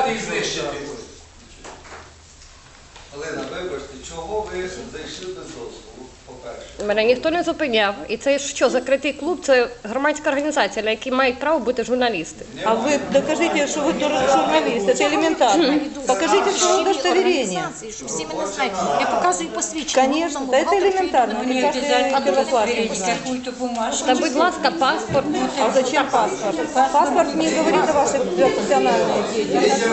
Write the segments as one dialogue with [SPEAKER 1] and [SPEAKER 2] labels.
[SPEAKER 1] зупиняти і знищити.
[SPEAKER 2] Олена, вибачте, чого ви зайшли без дозволу, по-перше?
[SPEAKER 3] Мене ніхто не зупиняв. І це що, закритий клуб, це громадська організація, на якій мають право бути журналісти.
[SPEAKER 4] А вы докажите, что вы журналист. Это элементарно. Покажите свое удостоверение.
[SPEAKER 5] Щоб всі мене знають. Я показую посвідчення.
[SPEAKER 4] Конечно, да это элементарно. Это каждый первоклассник знает.
[SPEAKER 5] Какую-то бумажку.
[SPEAKER 3] Та, будь ласка, паспорт.
[SPEAKER 4] А зачем паспорт? Паспорт не говорит о вашей профессиональной деятельности.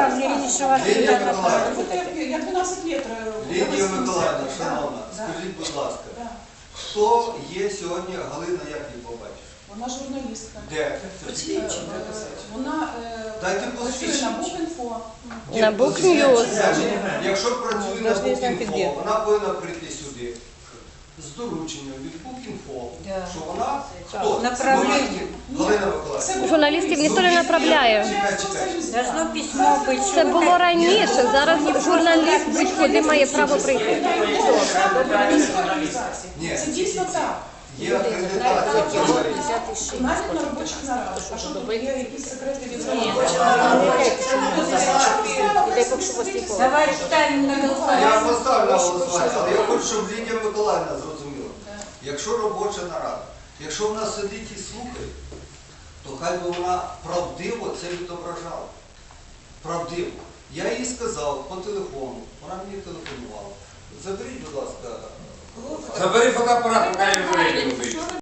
[SPEAKER 6] Я 12 лет
[SPEAKER 2] Лідія Миколаївна, шановна, скажіть, будь ласка, хто є сьогодні Галина, як її побачиш?
[SPEAKER 6] Вона журналістка.
[SPEAKER 2] Де?
[SPEAKER 6] Вона
[SPEAKER 2] Дайте
[SPEAKER 6] працює
[SPEAKER 2] посвідчення.
[SPEAKER 6] на Букінфо.
[SPEAKER 3] На Букньюз.
[SPEAKER 2] Якщо працює на
[SPEAKER 4] Должны знать, где.
[SPEAKER 2] Букінфо, вона повинна прийти сюди з дорученням від Букінфо, що вона хто?
[SPEAKER 5] Направлення.
[SPEAKER 2] Галина Миколаївна.
[SPEAKER 3] Журналістів ніхто не направляє.
[SPEAKER 2] Чекай.
[SPEAKER 5] Должно письмо бути.
[SPEAKER 3] Це було раніше, зараз журналіст будь-куди має право прийти.
[SPEAKER 2] Ні,
[SPEAKER 6] Це дійсно так.
[SPEAKER 2] є акредитація журналістів.
[SPEAKER 6] Навіть на робочих нарадах. А що тут є якісь секрети від
[SPEAKER 5] Давай ставимо на
[SPEAKER 2] Я
[SPEAKER 5] голосування.
[SPEAKER 2] поставлю на голосування, але я хочу, щоб Лідія Миколаївна зрозуміла. Якщо робоча нарада, якщо вона сидить і слухає, то хай би вона правдиво це відображала. Правдиво. Я їй сказав по телефону, вона мені телефонувала. Заберіть, будь ласка,
[SPEAKER 1] Забери фотоапарат, поки я не вийду.